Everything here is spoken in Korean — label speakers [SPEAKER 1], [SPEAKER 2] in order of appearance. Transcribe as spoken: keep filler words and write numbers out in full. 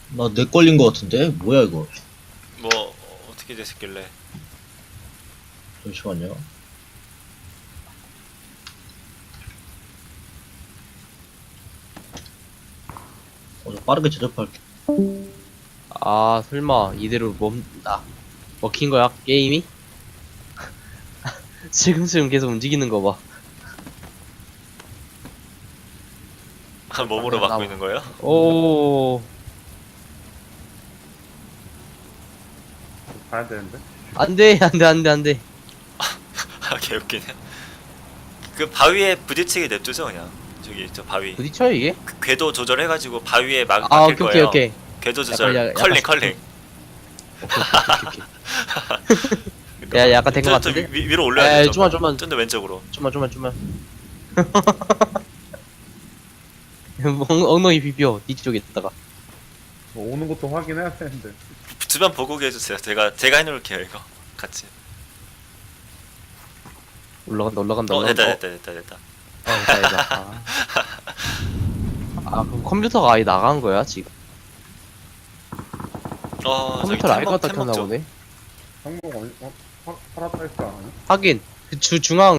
[SPEAKER 1] 나 내 걸린 거 같은데? 뭐야 이거?
[SPEAKER 2] 뭐 어, 어떻게 됐길래?
[SPEAKER 1] 잠시만요. 어, 저 빠르게 제접할게.
[SPEAKER 3] 아 설마 이대로 멈다 먹힌 거야 게임이? 지금쯤 계속 움직이는 거 봐.
[SPEAKER 2] 아, 몸으로
[SPEAKER 3] 나-
[SPEAKER 2] 막고
[SPEAKER 3] 나-
[SPEAKER 2] 있는 거예요?
[SPEAKER 3] 오
[SPEAKER 4] 가야 되는데.
[SPEAKER 3] 안돼 안돼 안돼 안돼.
[SPEAKER 2] 아, 개웃기네. 그 바위에 부딪히게 냅두죠 그냥. 저기 저 바위.
[SPEAKER 3] 부딪혀요 이게?
[SPEAKER 2] 그 궤도 조절해가지고 바위에 막
[SPEAKER 3] 아
[SPEAKER 2] 막힐
[SPEAKER 3] 오케이
[SPEAKER 2] 거예요.
[SPEAKER 3] 오케이 오케이.
[SPEAKER 2] 궤도 조절.
[SPEAKER 3] 약간, 약간
[SPEAKER 2] 컬링
[SPEAKER 3] 약간
[SPEAKER 2] 컬링.
[SPEAKER 3] 오케이 오케이 오케이. 야 약간 된 거
[SPEAKER 2] 좀- 좀
[SPEAKER 3] 같은데?
[SPEAKER 2] 위, 위로 올려야
[SPEAKER 3] 에이,
[SPEAKER 2] 돼요.
[SPEAKER 3] 좀만, 좀만.
[SPEAKER 2] 좀더 왼쪽으로.
[SPEAKER 3] 좀만 좀만 좀만. 엉- 엉덩이 비벼 뒤쪽에 있다가.
[SPEAKER 4] 뭐 오는 것도 확인해야 되는데.
[SPEAKER 2] 주변 보고 해주세요. 제가 제가 해놓을게요 이거 같이.
[SPEAKER 3] 올라간다 올라간다
[SPEAKER 2] 어
[SPEAKER 3] 올라간다.
[SPEAKER 2] 됐다 됐다 됐다 됐다.
[SPEAKER 3] 어, 됐다 됐다. 아. 아 그럼 컴퓨터가 아예 나간 거야 지금?
[SPEAKER 2] 어 저기
[SPEAKER 3] 컴퓨터를
[SPEAKER 2] 템먹-
[SPEAKER 3] 알것 같다
[SPEAKER 2] 템먹
[SPEAKER 3] 켰나
[SPEAKER 2] 좀.
[SPEAKER 3] 보네.
[SPEAKER 4] 항공 어디 어 팔- 팔았다 했어 안 하냐?
[SPEAKER 3] 하긴 그 주 중앙